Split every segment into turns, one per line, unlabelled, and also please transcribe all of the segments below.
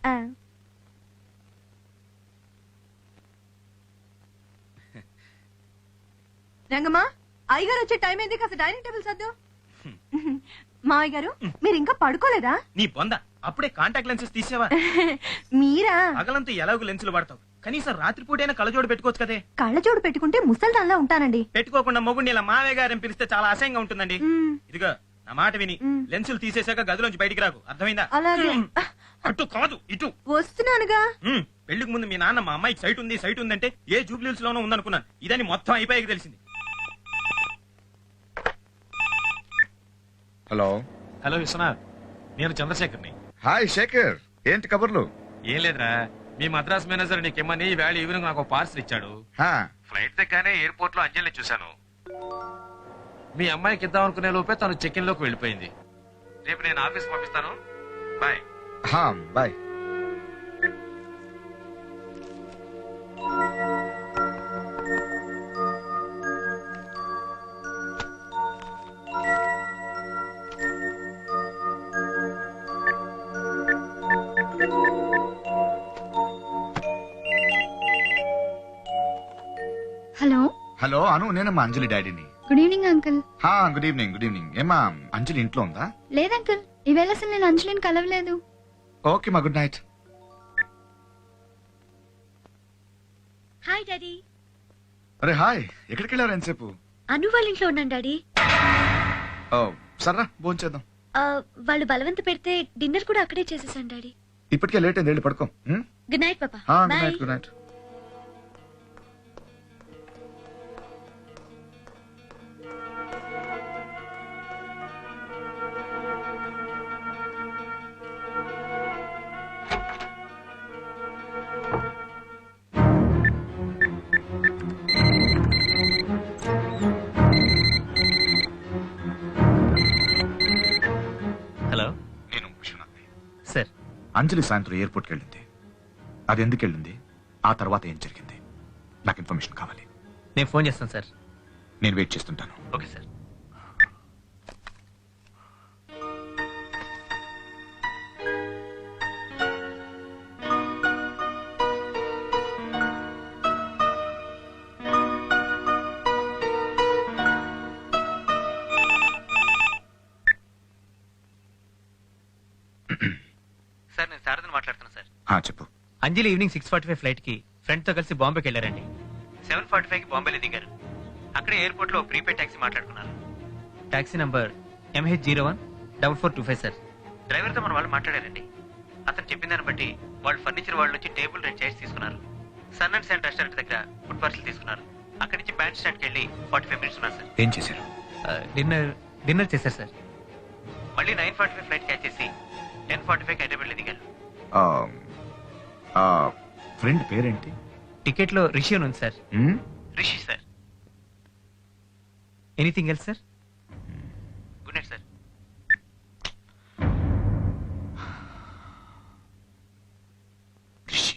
రంగమ్మా, అయ్యగారు వచ్చే టైం ఏంది? కాస్త డైనింగ్ టేబుల్ సర్దు. మావయ్య గారు, మీరు ఇంకా పడుకోలేదా?
నీ బొంద, అప్పుడే కాంటాక్ట్ లెన్సెస్ తీసేవా?
మీరా?
పగలంతా ఎలాగో లెన్సులు వాడతావు, కనీసం రాత్రిపూటైనా కళ్ళజోడు పెట్టుకోవచ్చు కదే.
కళ్ళజోడు పెట్టుకుంటే ముసల్దాన్లా ఉంటానండి.
పెట్టుకోకుండా మొగుడిని ఇలా మావయ్య గారని పిలిస్తే చాలా అసహ్యంగా ఉంటుందండి. ఇదిగో నా మాట విని లెన్సులు తీసేశాక గదిలోంచి బయటికి రాకు, అర్థమైందా?
అలాగే.
అటు కాదు ఇటు
వస్తున్నానుగా.
పెళ్లికి ముందు మీ నాన్న మా అమ్మాయికి సైట్ ఉందంటే ఏ జూబ్లీస్ లోనో ఉందనుకున్నాను. ఇదని మొత్తం అయిపోయాక తెలిసింది.
హలో
హలో విశ్వనాథ్, నేను చంద్రశేఖర్ని.
హాయ్ శేఖర్, ఏంటి కబుర్లు?
ఏం లేదురా, మీ మద్రాస్ మేనేజర్ నీకేమని వేళ ఈవినింగ్ నాకు పార్సల్ ఇచ్చాడు.
హా,
ఫ్లైట్ దగ్గరనే ఎయిర్పోర్ట్ లో అంజలిని చూశాను. మీ అమ్మాయికి ఇద్దాం అనుకునే లోపే తను చెక్ ఇన్ లోకి వెళ్ళిపోయింది. రేపు నేను ఆఫీస్ పంపిస్తాను. బాయ్.
హా, బాయ్.
హలో
హలో అను, నేనమ్మా అంజలి డాడీని.
Good evening uncle.
హా, గుడ్ ఈవినింగ్. Good evening. ఏమా అంజలి ఇంట్లో ఉందా?
లేదు అంకుల్, ఈవేళ అసలు నేను అంజలిని కలవలేదు.
ఓకే మా, గుడ్ నైట్.
Hi daddy.
అరే హాయ్, ఎక్కడికి వెళ్ళారు ఎంతసేపు?
అను వాళ్ళ ఇంట్లో ఉన్నాను డాడీ.
ఓ సర్రా, భోంచేద్దాం.
వాళ్ళు బలవంత పెడితే డిన్నర్ కూడా అక్కడే చేసేసాను డాడీ.
ఇప్పటికే లేట్ అయింది, వెళ్ళి పడుకో.
గుడ్ నైట్ పాపా.
Good night. Good night.
Hello,
నేను విశ్వనాథ్ని.
సార్.
అంజలి సాయంత్రం ఎయిర్పోర్ట్కి వెళ్ళింది. అది ఎందుకు వెళ్ళింది, ఆ తర్వాత ఏం జరిగింది, నాకు ఇన్ఫర్మేషన్ కావాలి.
నేను ఫోన్ చేస్తాను సార్.
నేను వెయిట్ చేస్తుంటాను.
Okay sir. సార్, నేను శారదని మాట్లాడుతున్నా సార్.
చెప్పు.
అంజలి ఈవినింగ్ 6:45 ఫ్లైట్ కి ఫ్రెండ్ తో కలిసి బాంబేకి వెళ్ళారండి. 7:45 కి బాంబేలో దిగారు. అక్కడే ఎయిర్పోర్ట్ లో ప్రీపేడ్ టాక్సీ మాట్లాడుకున్నారు. Taxi number MH014425 sir. Driver తో మన వాళ్ళు మాట్లాడారండి. అతను చెప్పిన దాన్ని బట్టి వాళ్ళు ఫర్నిచర్ వాళ్ళ నుంచి టేబుల్ రెండు చైర్స్ తీసుకున్నారు. సన్ అండ్ శాండ్ రెస్టారెంట్ దగ్గర ఫుడ్ పార్సల్ తీసుకున్నారు. అక్కడి నుంచి బ్యాండ్ స్టాండ్ కి వెళ్ళి 45 మినిట్స్ ఉన్నారు సార్.
ఏం చేశారు?
డిన్నర్ చేశారు సార్. మళ్ళీ 9:45 ఫ్లైట్ క్యాచ్ చేసి 10:45 హైదరాబాద్ లో దిగారు.
ఫ్రెండ్ పేరేంటి?
టికెట్ లో రిషి అని ఉంది sir. Rishi sir. Anything else sir? Good night sir.
Rishi.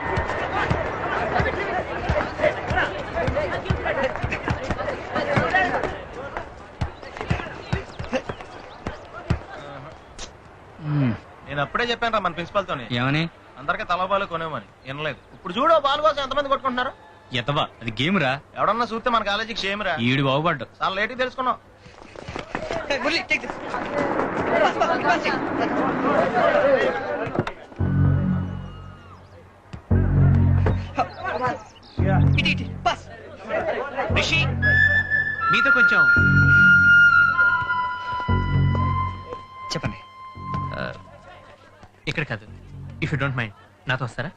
నేను అప్పుడే చెప్పాను రా మన ప్రిన్సిపాల్ తోని.
ఏమని?
అందరికీ తలబాలు కొనేమని. వినలేదు. ఇప్పుడు చూడు, బాల్ కోసం ఎంతమంది కొట్టుకుంటున్నారు.
ఎతవా, అది గేమ్ రా.
ఎవడన్నా చూస్తే మన కాలేజీకి షేమ్ రా.
ఈడు బాగుపడ్డు.
చాలా లేట్ తెలుసుకున్నాం. రిషి, మీతో కొంచెం
చెప్పండి.
ఇక్కడ కాదు, ఇఫ్ యూ డోంట్ మైండ్ నాతో వస్తారా?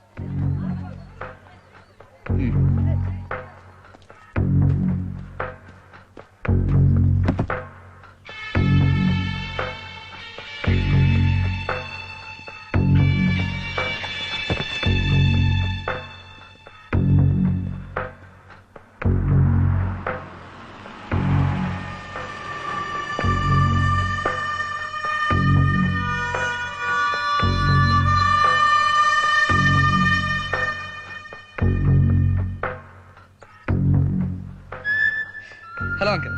Hello uncle.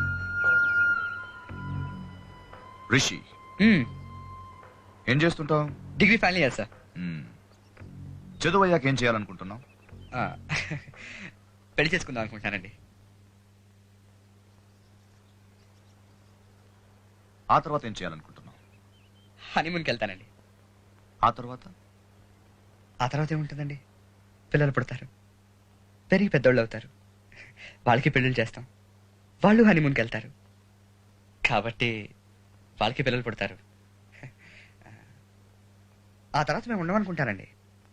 రిషి, ఏం చేస్తుంటావు?
Degree final year sir.
చదువు అయ్యాక ఏం చేయాలనుకుంటున్నావు?
ఆ, పెళ్లి చేసుకుందాం అనుకుంటానండి.
ఆ తర్వాత ఏం చేయాలనుకుంటున్నావు?
హనీమూన్కి వెళ్తానండి.
ఆ తర్వాత
ఆ తర్వాత ఏముంటుందండి? పిల్లలు పుడతారు, పెరిగి పెద్దోళ్ళు అవుతారు, వాళ్ళకి పెళ్ళిళ్ళు చేస్తాం, వాళ్ళు హనీమూన్కి వెళ్తారు, కాబట్టి వాళ్ళకి పిల్లలు పుడతారు. ఆ తర్వాత మేము ఉండమనుకుంటానండి.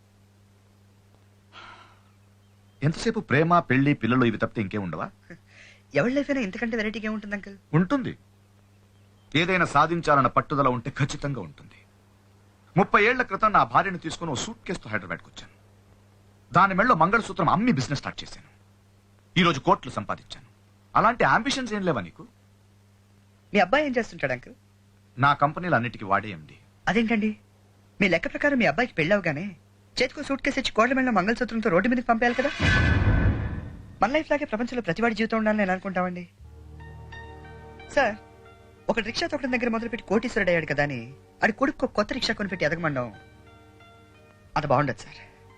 ఎంతసేపు ప్రేమ, పెళ్లి, పిల్లలు ఇవి తప్పితే ఇంకేం ఉండవా?
ఎవరి లైఫ్ అయినా ఇంతకంటే వెరైటీగా ఉంటుంది అంకుల్.
ఉంటుంది. ఏదైనా సాధించాలన్న పట్టుదల ఉంటే ఖచ్చితంగా ఉంటుంది. 30 ఏళ్ల క్రితం నా భార్యను తీసుకుని ఓ సూట్ కేసుతో హైదరాబాద్కి వచ్చాను. దాని మెళ్ళలో మంగళసూత్రం అమ్మి బిజినెస్ స్టార్ట్ చేశాను. ఈరోజు కోట్లు సంపాదించాను. అలాంటి అంబిషన్స్ ఏం లేవా నీకు?
మీ అబ్బాయి ఏం చేస్తుంటాడు అంకుల్?
నా కంపెనీలు అన్నిటికీ వాడేయండి.
అదేంటండి, మీ లెక్క ప్రకారం మీ అబ్బాయికి పెళ్ళి అవగానే చేతికో సూట్ కేసు ఇచ్చి కోట్ల మెళ్ళ మంగళసూత్రంతో రోడ్డు మీదకి పంపేయాలి కదా. మన లైఫ్ లాగే ప్రపంచంలో ప్రతివాడి జీవితం ఉండాలని నేను అనుకుంటామండి. సార్, ఒక రిక్షా తొక్కడం దగ్గర మొదలుపెట్టి కోటీశ్వరుడు అయ్యాడు కదా అని ఆడి కొడుకు కొత్త రిక్షా కొనిపెట్టి ఎదగమండం అంత బాగుండదు సార్.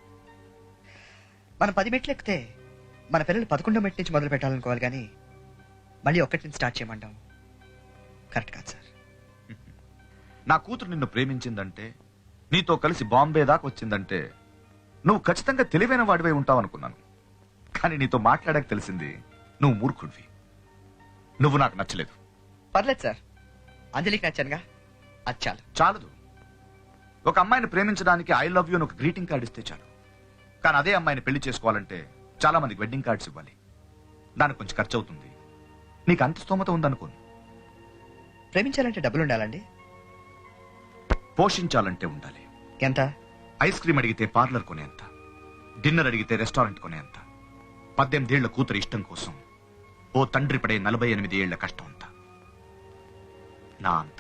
మనం 10 మెట్లు ఎక్కితే మన పిల్లలు 11వ మెట్టు నుంచి మొదలు పెట్టాలనుకోవాలి, కానీ మళ్ళీ ఒక్కటి నుంచి స్టార్ట్ చేయమంటాం కరెక్ట్ కాదు సార్.
నా కూతురు నిన్ను ప్రేమించిందంటే, నీతో కలిసి బాంబే దాకా వచ్చిందంటే నువ్వు ఖచ్చితంగా తెలివైన వాడివై ఉంటావు అనుకున్నాను. కానీ నీతో మాట్లాడాక తెలిసింది నువ్వు మూర్ఖుడివి. నువ్వు నాకు నచ్చలేదు.
పర్లేదు సార్, అంజలికి నచ్చానుగా, అది చాలు.
చాలదు. ఒక అమ్మాయిని ప్రేమించడానికి ఐ లవ్ యూ అని ఒక గ్రీటింగ్ కార్డు ఇస్తే చాలు. కానీ అదే అమ్మాయిని పెళ్లి చేసుకోవాలంటే చాలా మందికి వెడ్డింగ్ కార్డ్స్ ఇవ్వాలి. దానికి కొంచెం ఖర్చు అవుతుంది. నీకు అంత స్తోమత ఉందనుకోను.
ప్రేమించాలంటే డబ్బులు ఉండాలండి.
పోషించాలంటే ఉండాలి.
ఎంత?
ఐస్ క్రీమ్ అడిగితే పార్లర్ కొనేంత, డిన్నర్ అడిగితే రెస్టారెంట్ కొనేంత, 18 ఏళ్ల కూతురు ఇష్టం కోసం ఓ తండ్రి పడే 48 ఏళ్ల కష్టం అంత. నా అంత.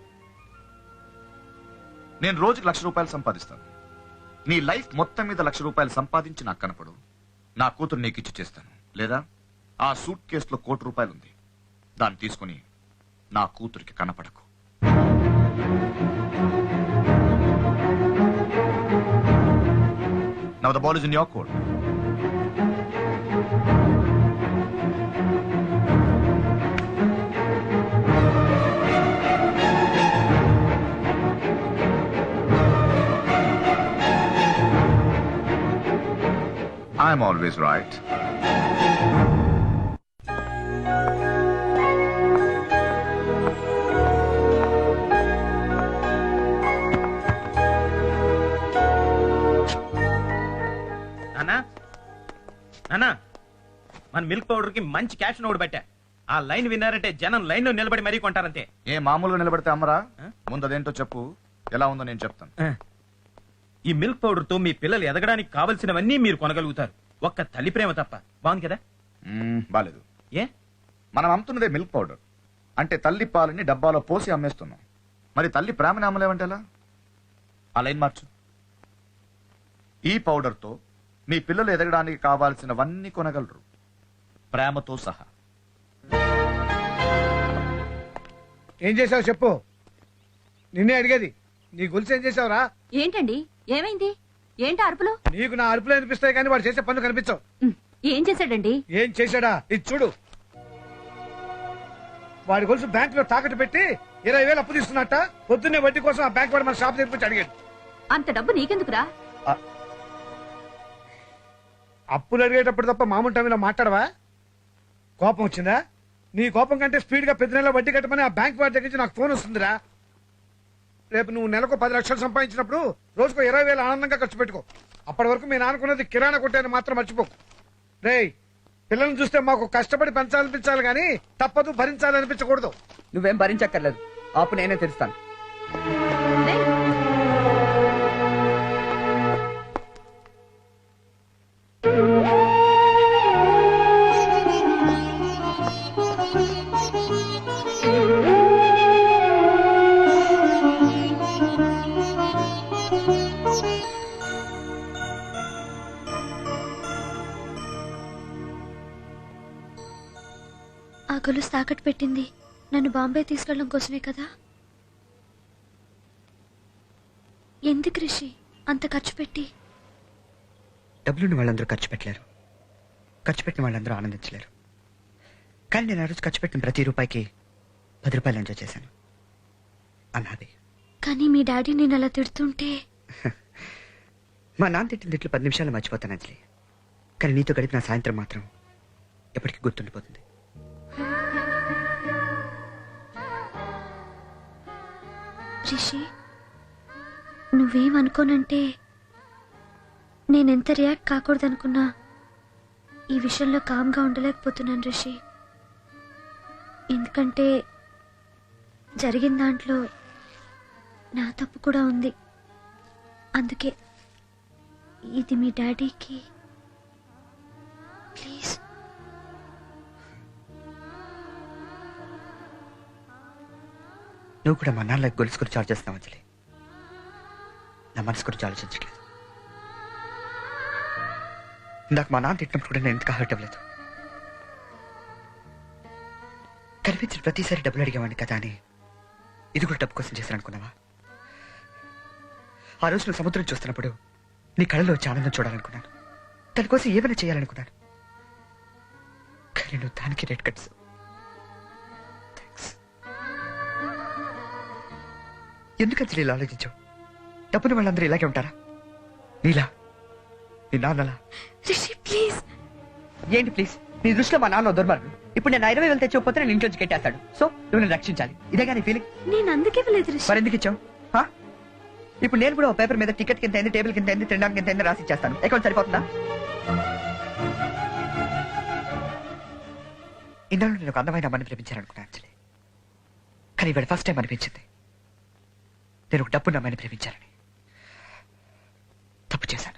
నేను రోజుకి ₹1,00,000 సంపాదిస్తాను. నీ లైఫ్ మొత్తం మీద ₹1,00,000 సంపాదించి నాకు కనపడు. నా కూతురు నీకు ఇచ్చి చేస్తాను. లేదా ఆ సూట్ కేసులో ₹1,00,00,000 ఉంది, దాన్ని తీసుకుని నా కూతురికి కనపడకు. Now the ball is in your court. I'm always right.
నానా, మన మిల్క్ పౌడర్ కి మంచి క్యాప్షన్ ఒకటి పెట్టా. ఆ లైన్ విన్నారంటే జనం లైన్ లో నిలబడి మరీ కొంటారంతే.
ఏ మామూలుగా నిలబడితే అమ్మరా? ముందు అదేంటో చెప్పు, ఎలా ఉందో నేను చెప్తాను.
ఈ మిల్క్ పౌడర్ తో మీ పిల్లలు ఎదగడానికి కావలసినవన్నీ మీరు కొనగలుగుతారు, ఒక్క తల్లి ప్రేమ తప్ప. బాగుంది కదా?
బాలేదు.
ఏ?
మనం అమ్ముతున్నదే మిల్క్ పౌడర్ అంటే తల్లి పాలని డబ్బాలో పోసి అమ్మేస్తున్నాం. మరి తల్లి ప్రేమని అమ్మలేమంటే ఎలా? ఆ లైన్ మార్చు. ఈ పౌడర్ తో మీ పిల్లలు ఎదగడానికి కావాల్సినవన్నీ కొనగలరు, ప్రేమతో సహా.
ఏం చేసావు చెప్పు, నిన్నే అడిగేది. నీ గొలుసు ఏం చేసావురా?
ఏంటండి, ఏమైంది? ఏంటి అరుపులు?
నీకు నా అరుపులు అనిపిస్తాయి కానీ వాడు చేసే పనులు కనిపించవు.
ఏం చేశాడండి?
ఏం చేశాడా? ఇది చూడు. వాడి గొలుసు బ్యాంక్ లో తాకట్టు పెట్టి 20,000 అప్పు తీసుకున్నట్ట. పొద్దున్నే వడ్డీ కోసం ఆ బ్యాంక్ వాడు మన షాప్ తెరిపించి అడిగాడు.
అంత డబ్బు నీకెందుకురా?
అప్పులు అడిగేటప్పుడు తప్ప మామూలు టైంలో మాట్లాడవా? కోపం వచ్చిందా? నీ కోపం కంటే స్పీడ్ గా 10 నెలల వడ్డీ కట్టమని ఆ బ్యాంక్ వాడి దగ్గర నుంచి నాకు ఫోన్ వస్తుందిరా. రేపు నువ్వు నెలకు 10 లక్షలు సంపాదించినప్పుడు రోజుకో 20,000 ఆనందంగా ఖర్చు పెట్టుకో. అప్పటి వరకు మీ నాన్నకున్నది కిరాణా కొట్టేది మాత్రం మర్చిపోకు. రేయ్, పిల్లల్ని చూస్తే మాకు కష్టపడి పెంచాలనిపించాలి కానీ తప్పదు భరించాలనిపించకూడదు.
నువ్వేం భరించక్కర్లేదు, ఆపు నేనే తెలుస్తాను.
ఆ గొలుసు తాకట్టు పెట్టింది నన్ను బాంబే తీసుకెళ్ళడం కోసమే కదా. ఎందుకు రిషి అంత ఖర్చు పెట్టి
డబ్బులున్న వాళ్ళందరూ ఖర్చు పెట్టలేరు, ఖర్చు పెట్టిన వాళ్ళందరూ ఆనందించలేరు. కానీ నేను ఆ రోజు ఖర్చు పెట్టిన ప్రతి రూపాయికి 10 రూపాయలు ఎంజాయ్ చేశాను. అన్నాది.
కానీ మీ డాడీ నేను అలా తిడుతుంటే
మా నాన్న తిట్టిన తిట్లు 10 నిమిషాలు మర్చిపోతాను అంజలి. కానీ నీతో గడిపిన సాయంత్రం మాత్రం ఎప్పటికీ గుర్తుండిపోతుంది.
రిషి, నువ్వేమనుకోనంటే నేనెంత రియాక్ట్ కాకూడదనుకున్నా ఈ విషయంలో కామ్గా ఉండలేకపోతున్నాను రిషి. ఎందుకంటే జరిగిన దాంట్లో నా తప్పు కూడా ఉంది. అందుకే ఇది మీ డాడీకి ప్లీజ్.
నువ్వు కూడా మా నాన్నలకు గొలుసు గురించి ఆలోచిస్తున్నావు అంజలి. నా మనసు గురించి ఆలోచించట్లేదు. ఇందాక మా నాన్న తిట్టినప్పుడు కూడా నేను ఎందుకు హర్ట్ అవ్వలేదు. కనిపించిన ప్రతిసారి డబ్బులు అడిగేవాడిని కదా అని ఇది కూడా డబ్బు కోసం చేశాను అనుకున్నావా? ఆ రోజు నువ్వు సముద్రం చూస్తున్నప్పుడు నీ కళ్ళలో వచ్చి ఆనందం చూడాలనుకున్నాను, దానికోసం ఏమైనా చేయాలనుకున్నాను. కానీ నువ్వు దానికి రెడ్ కట్స్. ఎందుకు అంజలి ఇలా ఆలోచించావు? డబ్బుని వాళ్ళందరూ ఇలాగే ఉంటారా? నీలా, నీ నాన్నలా?
రిషి ప్లీజ్.
ఏంటి ప్లీజ్? నీ దృష్టిలో మా నాన్న దుర్మార్గుడు. ఇప్పుడు నేను 20,000 తెచ్చిపోతే నేను ఇంట్లోంచి కట్టేస్తాడు. సో నువ్వు నేను రక్షించాలి, ఇదేగా నీ ఫీలింగ్?
నేను అందుకే వెళ్ళలేదు రిషి.
మరి ఎందుకు ఇచ్చావు? ఇప్పుడు నేను కూడా ఒక పేపర్ మీద టికెట్ కింద అయింది, టేబుల్ కింద అయింది, తినడానికి కింద అయింది రాసి ఇచ్చేస్తాను. అకౌంట్ సరిపోతుందా? ఇందులో నేను ఒక అందమైన అమ్మని ప్రేమించాలనుకున్నాను అంజలి. కానీ ఇవాళ ఫస్ట్ టైం అనిపించింది నేను ఒక డబ్బున్న అమ్మాయిని ప్రేమించాలని. తప్పు చేశాను.